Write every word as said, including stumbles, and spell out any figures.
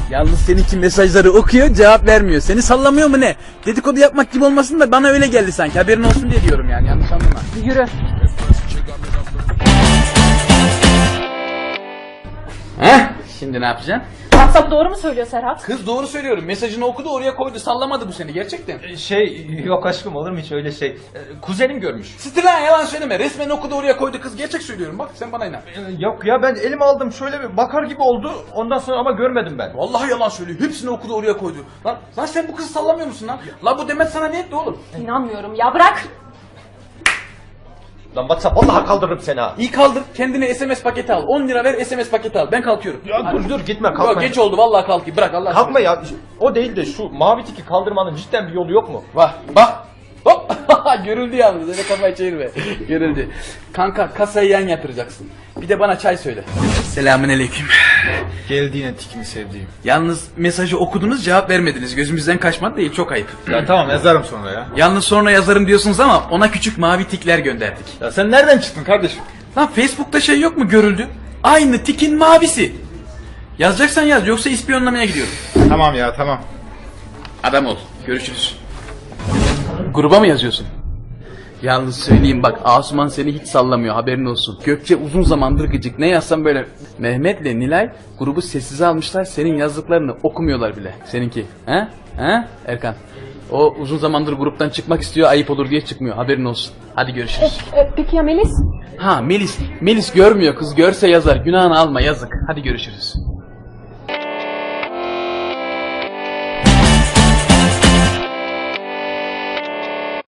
Yalnız seninki mesajları okuyor, cevap vermiyor. Seni sallamıyor mu ne? Dedikodu yapmak gibi olmasın da bana öyle geldi sanki. Haberin olsun diye diyorum yani, yanlış anlama. Yürü. Heh, şimdi ne yapacaksın? WhatsApp doğru mu söylüyor Serhat? Kız doğru söylüyorum. Mesajını okudu, oraya koydu. Sallamadı bu seni gerçekten. Şey yok aşkım, olur mu hiç öyle şey? Ee, Kuzenim görmüş. Stilan, yalan söyleme. Resmen okudu, oraya koydu kız. Gerçek söylüyorum. Bak sen bana inan. Ee, Yok ya, ben elime aldım şöyle bir bakar gibi oldu. Ondan sonra ama görmedim ben. Vallahi yalan söylüyor. Hepsini okudu, oraya koydu. Lan, lan sen bu kızı sallamıyor musun lan? Lan bu Demet sana ne etti oğlum? İnanmıyorum ya, bırak. Lan WhatsApp, vallahi kaldırırım seni ha. İyi kaldır. Kendine S M S paketi al. on lira ver, S M S paketi al. Ben kalkıyorum. Ya dur dur gitme, kalkma. Yok, geç oldu vallahi, kalkayım. Bırak Allah Kalkma ya. O değil de şu mavi tiki kaldırmanın cidden bir yolu yok mu? Bak bak. Hop. Görüldü yalnız. Öyle kafayı çevirme. Görüldü. Kanka, kasayı yan yatıracaksın. Bir de bana çay söyle. Selamünaleyküm. Geldi yine tikini sevdiğim. Yalnız mesajı okudunuz, cevap vermediniz. Gözümüzden kaçmadı değil, çok ayıp. Ya tamam, yazarım sonra ya. Yalnız sonra yazarım diyorsunuz ama ona küçük mavi tikler gönderdik. Ya sen nereden çıktın kardeşim? Lan Facebook'ta şey yok mu, görüldü? Aynı tikin mavisi. Yazacaksan yaz, yoksa ispiyonlamaya gidiyorum. Tamam ya, tamam. Adam ol. Görüşürüz. Gruba mı yazıyorsun? Yalnız söyleyeyim bak, Asuman seni hiç sallamıyor, haberin olsun. Gökçe uzun zamandır gıcık. Ne yazsam böyle. Mehmet'le Nilay grubu sessize almışlar. Senin yazdıklarını okumuyorlar bile. Seninki. He? He? Erkan. O uzun zamandır gruptan çıkmak istiyor, ayıp olur diye çıkmıyor. Haberin olsun. Hadi görüşürüz. E, peki ya Melis? Ha Melis. Melis görmüyor kız. Görse yazar. Günahını alma, yazık. Hadi görüşürüz.